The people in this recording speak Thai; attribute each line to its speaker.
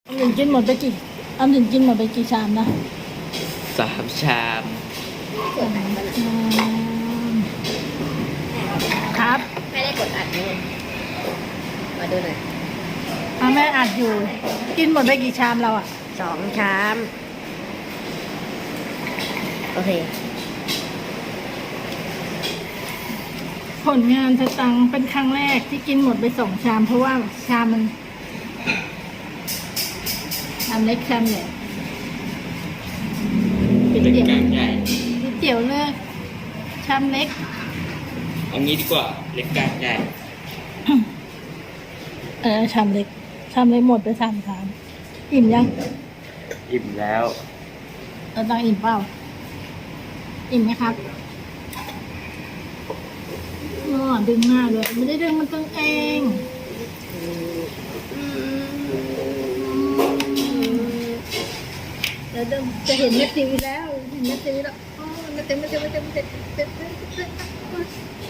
Speaker 1: ออมสินกินหมดไปกี่ออมสินกินหมดไปกี่ชามนะ
Speaker 2: 3 ชาม
Speaker 1: ครับ
Speaker 3: ไม่ได้กดอัดนู่นมาดูหน่อย
Speaker 1: แม่อัดอยู่ กินหมดไปกี่ชามเราอ่ะ
Speaker 3: 2 ชาม โอเค
Speaker 1: ผลงานสตังค์เป็นครั้งแรกที่กินหมดไป2 ชาม เพราะว่าชามมันชามเล็กชามใหญ่ก๋วย
Speaker 2: เล็ก
Speaker 1: เตี๋ยว
Speaker 2: กลางใหญ่
Speaker 1: ก๋วยเตี๋ยวเลือกชามเล็ก
Speaker 2: เอางี้ดีกว่าเล็กกลางใหญ่
Speaker 1: ชามเล็กชามเล็กหมดไป3 ชามอิ่มยัง
Speaker 2: อิ่มแล้ว
Speaker 1: ตังอิ่มเปล่าอิ่มไหมครับดึงหน้าด้วยไม่ได้ดึงมันตึงเองเดี๋ยวจะเห็นแม่ตีแล้วเห็นแม่ตีแล้วเต็ม